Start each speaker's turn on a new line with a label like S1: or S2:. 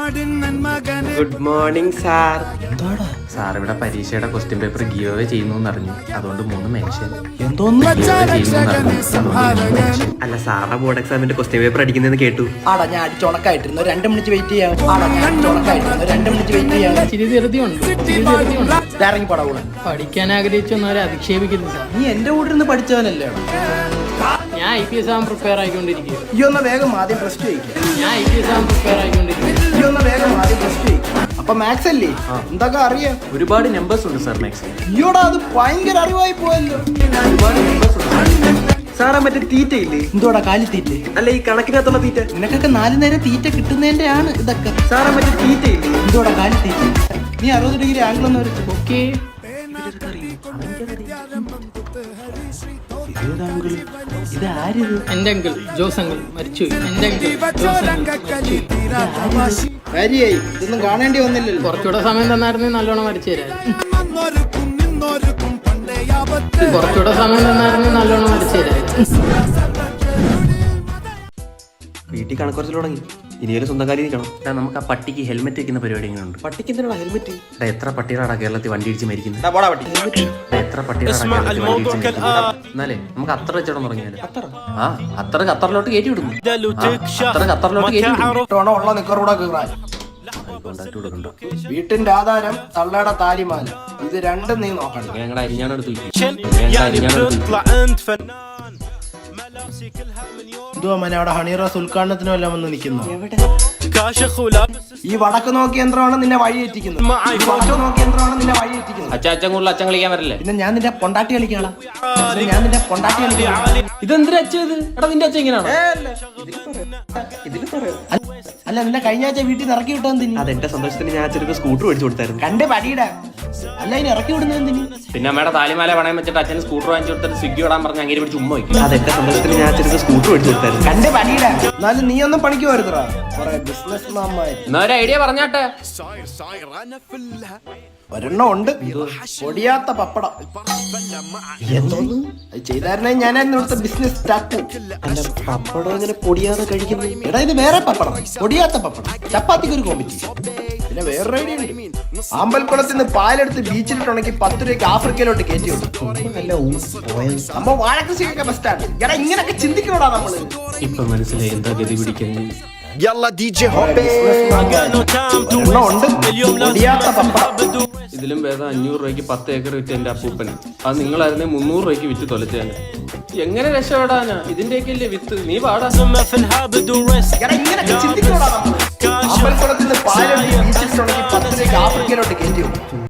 S1: Good morning sir. Sir ഇവിടെ പരീക്ഷയുടെ question paper give away ചെയ്യുന്നു അറിഞ്ഞു, അതുകൊണ്ട് 3 മെൻഷൻ. അല്ല, സാറിന്റെ ബോർഡ് എക്സാമിന്റെ ക്വസ്റ്റ്യൻ പേപ്പർ അടിക്കുന്നതെന്ന് കേട്ടു.
S2: ആടാ ഞാൻ അടിച്ചുണക്കായിട്ടിരുന്നു, 2 മിനിറ്റ് വെയിറ്റ് ചെയ്യാം. ഇറങ്ങിപ്പോടാ കൂടെ.
S3: പഠിക്കാൻ ആഗ്രഹിച്ചൊന്നവരെ അധിക്ഷേപിക്കുന്നില്ല.
S2: നീ എന്റെ കൂടെ ഇരുന്ന് പഠിച്ചവനല്ലേ?
S3: ഞാൻ IPS ആവാൻ പ്രിപ്പയർ ആയിക്കൊണ്ടിരിക്കുക.
S2: ഈ ഒന്ന് വേഗം ആദ്യം പ്ലസ് ടു കഴിക്കാം.
S3: ഞാൻ IPS ആവാൻ പ്രിപ്പയർ ആയിക്കൊണ്ടിരിക്കുക.
S2: ഈ ഒന്ന് വേഗം ആദ്യം പ്ലസ് ടു കഴിക്കാം. അപ്പൊ മാത്സ് അല്ലേ എന്തൊക്കെ അറിയാം?
S1: ഒരുപാട് നമ്പേഴ്സ് ഉണ്ട് സാർ മാത്സ്.
S2: അയ്യോടാ, അത് ഭയങ്കര അറിവായി പോയല്ലോ.
S1: സാറാ മറ്റേ തീറ്റ ഇല്ലേ?
S2: എന്തോടാ കാലി തീറ്റ?
S1: അല്ല, ഈ കണക്കിനകത്തുള്ള തീറ്റ.
S2: നിനക്കൊക്കെ 4 നേരം തീറ്റ കിട്ടുന്നതിന്റെ ആണ് ഇതൊക്കെ.
S1: സാറാ മറ്റേ തീറ്റ ഇല്ലേ?
S2: എന്തോടാ കാലി തീറ്റ? നീ 60 ഡിഗ്രി ആംഗിൾ ഒന്ന് വരച്ചു.
S3: ഓക്കെ,
S2: ഇത് ആരിത്?
S3: എന്റെ അങ്കിൾ ജോസ് അങ്കിൾ മരിച്ചുപോയി. എന്റെ അങ്കിൾ ജോസ് അങ്കിൾ മരിച്ചുപോയി.
S2: കാര്യായി, ഇതൊന്നും കാണേണ്ടി വന്നില്ലല്ലോ.
S3: കുറച്ചുകൂടെ സമയം തന്നായിരുന്നെങ്കിൽ നല്ലോണം വരച്ചു തരാം. കുറച്ചുകൂടെ സമയം തന്നായിരുന്നെങ്കിൽ നല്ലോണം വരച്ചു തരാം.
S1: വീട്ടിൽ കണക്കുറച്ചിൽ തുടങ്ങി. ഇനിയൊരു സ്വന്തം കാര്യം നിൽക്കണം. നമുക്ക് ആ പട്ടിക്ക് ഹെൽമെറ്റ് വെക്കുന്ന പരിപാടി എങ്ങനെയുണ്ട്? പട്ടിക്ക് എന്തിനാണ് ഹെൽമെറ്റ്? എത്ര പട്ടികളാണ് കേരളത്തിൽ വണ്ടി ഇടിച്ച് മരിക്കുന്നത്? എത്ര പട്ടികളാണ് കേരളത്തിൽ വണ്ടി ഇടിച്ച് മരിക്കുന്നത്? എന്നാലേ നമുക്ക് അത്ര വെച്ചോളം തുടങ്ങിയാലോ? അത്ര ഖത്തറിലോട്ട് കയറ്റി വിടുന്നു. അത്ര ഖത്തറിലോട്ട് കയറ്റി വിടുന്നു.
S2: ഉള്ള നിക്കറൂടെ കീറാൻ. വീട്ടിന്റെ ആധാരം തള്ളയുടെ താലിമാല. ഇത് രണ്ടും നീ നോക്കണം.
S1: ഞങ്ങളുടെ അരിഞ്ഞാണെടുത്ത്
S2: എന്തുവാ മനെ അവിടെ ഹണിറോസ് ഉദ്ഘാടനത്തിനും എല്ലാം വന്ന് നിൽക്കുന്നു. ഈ വടക്ക് നോക്കിയ യന്ത്രമാണ് നിന്നെ വഴിയെറ്റിക്കുന്നത്.
S1: അച്ഛൻ കൂടുതൽ അച്ഛൻ കളിക്കാൻ വരില്ലേ?
S2: പിന്നെ ഞാൻ നിന്റെ പൊണ്ടാട്ടി കളിക്കാളാ. ഞാൻ നിന്റെ പൊണ്ടാട്ടി കളിക്കാളാ.
S1: ഇതെന്തിനാ അച്ഛൻ? എടാ നിന്റെ അച്ഛൻ ഇങ്ങനെയാണോ?
S2: അല്ല, നിന്നെ കഴിഞ്ഞ ആഴ്ച വീട്ടിൽ നിന്ന് ഇറക്കി വിട്ടാൻ തിരി.
S1: അതെന്റെ സന്തോഷത്തിന് ഞാൻ അച്ഛനൊക്കെ സ്കൂട്ടർ മേടിച്ചു കൊടുത്തായിരുന്നു.
S2: കണ്ട് പടിയിടാ. അല്ല, ഇനി ഇറക്കി വിടുന്ന എന്തിന്?
S1: പിന്നെ അമ്മയുടെ താലിമാല പണയം വെച്ചിട്ട് അച്ഛന് സ്കൂട്ടർ വാങ്ങിച്ചു കൊടുത്തിട്ട് സ്വിഗ്ഗി വിടാൻ പറഞ്ഞ അങ്ങനെ പിടിച്ച് ഉമ്മ വയ്ക്കും. അതെന്റെ സന്തോഷത്തിന് ഞാൻ അച്ഛനൊക്കെ സ്കൂട്ടർ മേടിച്ചു കൊടുത്തായിരുന്നു.
S2: കണ്ട് പടിയിടാ. എന്നാലും നീ ഒന്നും പണിക്ക് വരുത്തറാ. ബിസിനസ്
S1: എന്നാ ഒരു ഐഡിയ പറഞ്ഞാട്ടെ.
S2: ഒരെണ്ണം ഉണ്ട്, പൊടിയാത്ത പപ്പടം. എന്തോന്ന് ചെയ്തായിരുന്നെ ഞാനായിരുന്നു ഇവിടുത്തെ ബിസിനസ് സ്റ്റാർട്ട്.
S1: പപ്പടം അങ്ങനെ പൊടിയാതെ കഴിക്കുന്നു.
S2: എടാ, ഇത് വേറെ പപ്പടം, പൊടിയാത്ത പപ്പടം. ചപ്പാത്തിക്ക് ഒരു കോമ്പറ്റീഷൻ. പിന്നെ വേറൊരു ഐഡിയ ഉണ്ട്. ആമ്പൽക്കുളത്തിൽ നിന്ന് പാലെടുത്ത് ബീച്ചിലിട്ടുണ്ടെങ്കിൽ 10 രൂപയ്ക്ക് ആഫ്രിക്കയിലോട്ട് കയറ്റി വിടും. സംഭവം വാഴക്കൃഷിയൊക്കെ ബെസ്റ്റാണ്. എടാ, ഇങ്ങനൊക്കെ ചിന്തിക്കണോടാ നമ്മള്.
S1: ഇപ്പൊ മനസ്സിലായി എന്താ ഗതി പിടിക്കാൻ. ഇതിലും ഭേദം 500 രൂപയ്ക്ക് 10 ഏക്കർ വിറ്റ് എന്റെ അപ്പൂപ്പന്. അത് നിങ്ങളായിരുന്നെ 300 രൂപയ്ക്ക് വിറ്റ് തൊലച്ചാണ്. എങ്ങനെ രക്ഷപ്പെടാനാ? ഇതിന്റെയൊക്കെ അല്ലേ വിത്ത്. നീ പാടാ.
S2: ആമ്പൽക്കുളത്തിൽ നിന്ന് പാലെടുത്ത് ബീച്ചിലിട്ടുണ്ടെങ്കിൽ 10 രൂപയ്ക്ക് ആഫ്രിക്കയിലോട്ട് കയറ്റി വിടും.